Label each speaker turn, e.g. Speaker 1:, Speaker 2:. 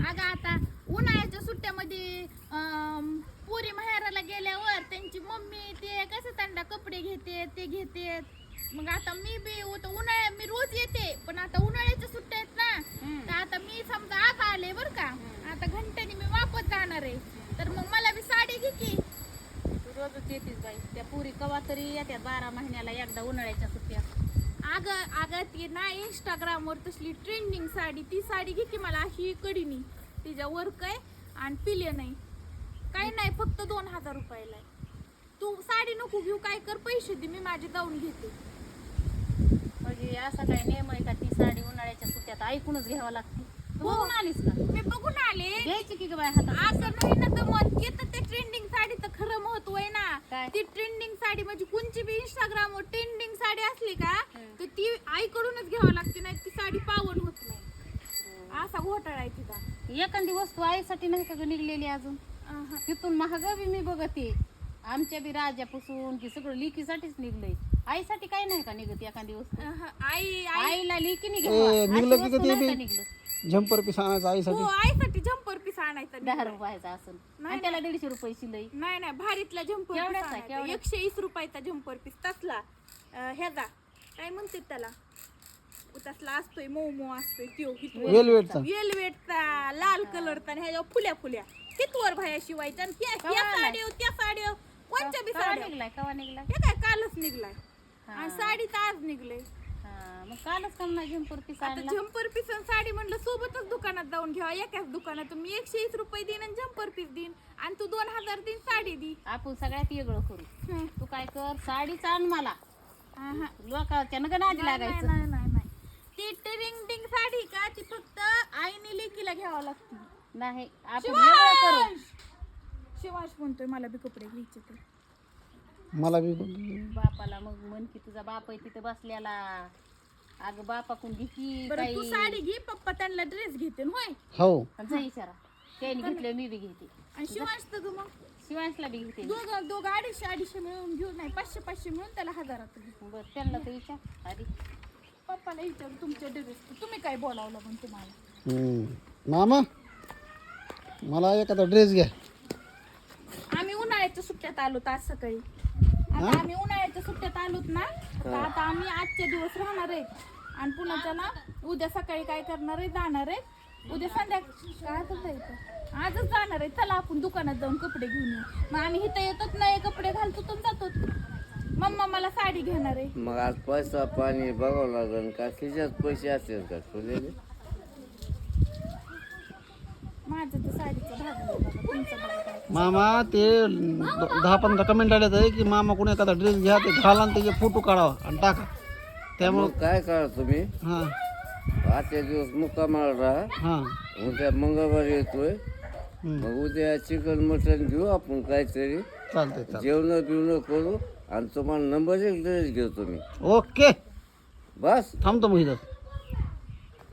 Speaker 1: अगं आता उन्हाळ्याच्या सुट्ट्यामध्ये पुरी माहेराला गेल्यावर त्यांची मम्मी ते कसं त्यांना कपडे घेते ते घेते. मग आता मी बी उन्हाळ्यात मी रोज येते पण आता उन्हाळ्याच्या सुट्ट्या आहेत ना तर आता मी समजा आज आले बर का आता घंट्याने मी वापस जाणार आहे तर मग मला बी साडी घे की.
Speaker 2: रोजच येतेच बाई त्या पुरी कवा तरी येत्यात 12 महिन्याला एकदा उन्हाळ्याच्या सुट्ट्या.
Speaker 1: अगं ती ना इंस्टाग्रामवर तसली ट्रेंडिंग साडी ती साडी घे की मला अशी कडीनी तिच्या वर्क आहे आणि पिले नाही काही नाही फक्त 2000 रुपयाला आहे. तू साडी नको घेऊ काय कर पैसे दे मी माझी जाऊन घेते.
Speaker 2: म्हणजे असा काय नियम आहे का ती साडी उन्हाळ्याच्या सुट्ट्यात ऐकूनच घ्यावं लागते. तू बघून आलीस का?
Speaker 1: मी बघून आले
Speaker 2: घ्यायची की बाय हातात.
Speaker 1: असं नाही ना तर मग येतं ते ट्रेंडिंग साडीचं खरं महत्व आहे ना.
Speaker 2: काय?
Speaker 1: ती ट्रेंडिंग साडी म्हणजे कोणची बी इंस्टाग्रामवर ट्रेंडिंग साडी असली का तर ती आईकडूनच घ्यावं लागते नाही ती साडी पावन होत नाही. असा घोटाळा आहे तिचा.
Speaker 2: एखादी वस्तू आईसाठी नाही का ग निघलेली अजून तिथून महाग बी मी बघते आमच्या बी राजापासून की सगळं लिकीसाठीच निघलंय. आईसाठी काय नाही का निघत एखादी वस्तू. आईला लिकीने
Speaker 3: निघलं की ते बी
Speaker 2: निघलं
Speaker 3: झंपर पीस आणायचं आईसाठी.
Speaker 1: हो आईसाठी झंपर पीस आणायचा
Speaker 2: 10 रुपयाचा असेल आणि त्याला 150 रुपये शिलाई.
Speaker 1: नाही भारीतला झंपर
Speaker 2: केवढ्याचा आहे, केवढ्याचा?
Speaker 1: 120 रुपयाचा झंपर पीस तसला ह्याचा काय म्हणते त्याला तसला असतोय मऊ असतोय त्यो
Speaker 3: वेलवेटचा.
Speaker 1: वेलवेटचा लाल कलरचा आणि ह्याच्यावर फुल्या कितवर भाया शिवायचा आणि ह्या साड्या त्या साड्या कोणत्या बी
Speaker 2: कवा
Speaker 1: साड्या
Speaker 2: निघलाय कवा निघलाय
Speaker 1: हे काय कालच निघलाय आणि साडी तर आज निघलंय.
Speaker 2: मग कालच कम नाही झंपर पीस
Speaker 1: आता
Speaker 2: आणला.
Speaker 1: झंपर पीस आणि साडी म्हणलं सोबतच दुकानात जाऊन घ्यावा एकाच दुकानात मी 120 रुपये देईन आणि झंपर पीस देईन आणि तू 2000 देईन साडी दी.
Speaker 2: आपण सगळ्यात वेगळं करू. तू काय कर साडीच आण मला
Speaker 1: आहा.
Speaker 2: लोकांच्या नग नादी लागायचं.
Speaker 1: नाही ती ट्रेंडिंग साडी का ती फक्त आईने लेकीला घ्यावं लागते.
Speaker 2: नाही आपण वेगळं करू.
Speaker 1: शिवाश म्हणतोय मला बी कपडे घ्यायचे तर
Speaker 3: मला बी
Speaker 2: बापाला मग म्हण की तुझा बाप आहे तिथं बसल्याला अगं बापाकडून घे की
Speaker 1: बरं तू
Speaker 2: काही
Speaker 1: साडी घे पप्पा त्यांना ड्रेस घेते ना, होय
Speaker 3: हो.
Speaker 2: जा इशारा त्याने घेतलं मी बी घेते
Speaker 1: आणि शिवाश तर ग मग
Speaker 2: शिवांशला बी घेते.
Speaker 1: दोघं 250 मिळून घेऊ नाही 500 मिळून त्याला 1000 घेऊ.
Speaker 2: बरं त्यांना तर विचार आधी
Speaker 1: पप्पाला विचारू तुमचे ड्रेस तुम्ही काय बोलावलं पण तुम्हाला.
Speaker 3: मामा मला एखादा ड्रेस घ्या.
Speaker 1: आम्ही उन्हाळ्याच्या सुट्ट्यात आलोत आज सकाळी. आता आम्ही उन्हाळ्याच्या सुट्ट्यात आलोत ना तर आता आम्ही आजचे दिवस राहणार आहेत आणि पुन्हा ना उद्या सकाळी काय करणार आहे जाणार आहे उद्या संध्याकाळी आजच जायचं आजच जाणार आहे. चला आपण दुकानात जाऊन कपडे घेऊन येऊ. मग आम्ही इथं येतोच नये कपडे घालतो तर जातो. मम्मा मला साडी घेणार आहे.
Speaker 4: मग आज पैसा पाणी बघावं लागेल का खिशात पैसे असतील का तुझे.
Speaker 1: माझं तर साडीचं भागलं बाबा तुमचं बघा काय.
Speaker 3: मामा ते 10-15 कमेंट आले आहे की मामा कोणी एखादा ड्रेस घ्या ते घाला आणि त्याचे फोटो काढावा आणि टाका. त्यामुळं
Speaker 4: मग काय करा तुम्ही
Speaker 3: हां
Speaker 4: आजच्या दिवस मुक्कामाला राहा.
Speaker 3: हां
Speaker 4: उद्या मंगळवारी येतोय मग उद्या चिकन मटन घेऊ आपण काहीतरी
Speaker 3: चालतंय
Speaker 4: जेवण बिवणं करू आणि तुम्हाला नंबर 1 ड्रेस घेतो मी.
Speaker 3: ओके
Speaker 4: बस
Speaker 3: थांबतो मग इथं.